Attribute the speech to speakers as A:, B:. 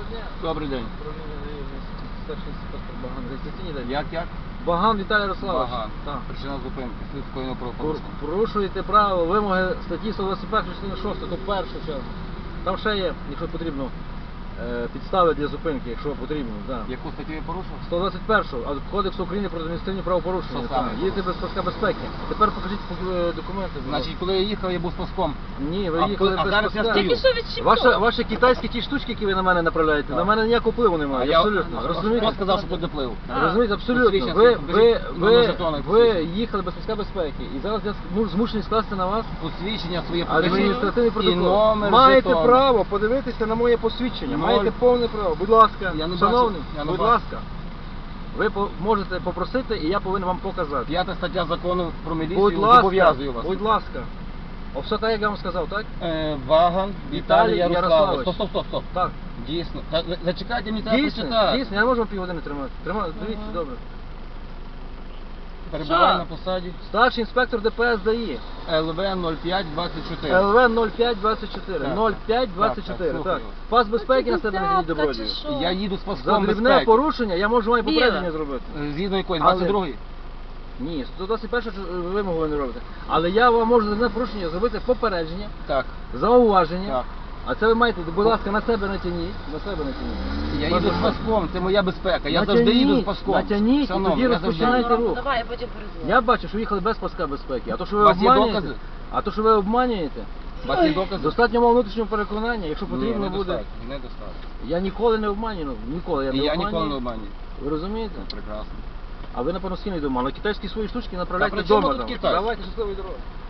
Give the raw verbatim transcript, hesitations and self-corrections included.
A: дня.
B: Добрий день.
A: Старший інспектор Баган. Реєстраційний день.
B: Як як?
A: Баган Віталій Ярославович.
B: Баган.
A: Так.
B: Причина зупинки. Слід скоєного правопорушення.
A: Порушуєте право, вимоги статті сто двадцять перша, частина шоста, то першу чергу. Там ще є, якщо потрібно, е, підстави для зупинки, якщо потрібно. Да.
B: Яку статтю я порушив?
A: сто двадцять перша, а Кодексу України про адміністративні правопорушення.
B: Що саме?
A: Їдете без паска безпеки. Тепер покажіть е, документи. будь ласка.
B: Значить, коли я їхав, я був з паском.
A: Ні, ви
B: А
A: їхали
B: коли- а
A: без
B: зараз я
A: паска.
B: стою.
C: Тільки що відчіпав.
A: Ваші, ваші китайські ті штучки, які ви на мене направляєте,
B: Так.
A: на мене ніякого впливу
B: А
A: немає.
B: я
A: Абсолютно. Розумієте?
B: Хто сказав, що тут доплив?
C: А.
A: Розумієте, абсолютно.
B: Посвідчення
A: Ви,
B: покажіть,
A: ви,
B: номер
A: ви,
B: жетона,
A: ви
B: посвідчення.
A: їхали без паска безпеки і зараз я зму- змушений скласти на вас
B: Посвідчення своє покажіть.
A: адміністративний
B: І
A: протокол.
B: номер
A: Маєте
B: жетона.
A: право подивитися на моє посвідчення.
B: Ноль.
A: Маєте повне право. Будь ласка,
B: Я не
A: шановний,
B: бачу, я не
A: будь
B: бачу.
A: ласка. Ви по- можете попросити, і я повинен вам показати.
B: П'ята стаття закону про міліцію
A: Будь ласка,
B: зобов'язує вас.
A: будь ласка. О, все так, як я вам сказав, так?
B: Е, Ваган
A: Віталій
B: Віталій
A: Ярославович.
B: Ярославович. Стоп, стоп, стоп, стоп.
A: Так.
B: Дійсно. Та, ви- зачекайте, мені треба
A: Дійсно,
B: прочитати.
A: дійсно, я не можу вам півгодини тримати. Тримати, дивіться,
C: Ага.
A: добре.
B: Перебуваю
C: Що?
B: на посаді.
A: Старший інспектор ДПС ДАІ.
B: ел ве нуль п'ять двадцять чотири.
A: ел ве нуль п'ять двадцять чотири.
B: Так,
A: нуль
B: так.
A: п'ять двадцять
B: Так,
A: чотири.
B: так,
A: Так.
B: слухаю.
A: Пас безпеки на себе не
C: Десятка
A: добродію.
C: чи що?
B: Я їду з
A: За
B: паском
A: дрібне
B: безпеки.
A: порушення я можу вам і
C: Біле.
A: попередження зробити.
B: Е, Згідно якої?
A: Але-
B: двадцять другої?
A: Ні, сто двадцять перша вимогу ви не робите. Але я вам можу за дрібне порушення зробити попередження,
B: Так.
A: зауваження.
B: Так.
A: А це ви маєте, будь ласка, на себе натягніть. На себе натягніть.
B: Я
A: Пас
B: їду з
A: безпеки.
B: паском, це моя безпека. Я
A: Натягніть,
B: завжди їду з паском.
A: натягніть, і
B: Шановний,
A: тоді
B: я завжди-
A: розпочинайте рух.
C: Давай, я потім перезвоню.
A: Я бачу, що ви їхали без паска безпеки. А то, що ви
B: У вас є
A: обманюєте,
B: докази?
A: а то, що ви обманюєте,
B: У вас є докази?
A: достатньо мого внутрішнього переконання, якщо потрібно
B: Ні,
A: буде.
B: недостатньо, недостатньо.
A: Я ніколи не обманюю, ніколи я
B: І
A: не
B: я
A: обманюю.
B: ніколи не обманюю.
A: Ви розумієте?
B: Прекрасно.
A: А ви, напевно, з ким не дома. Але китайські свої штучки направляйте
B: при чому
A: вдома.
B: тут
A: там.
B: Китай?
A: Давайте щасливої дороги.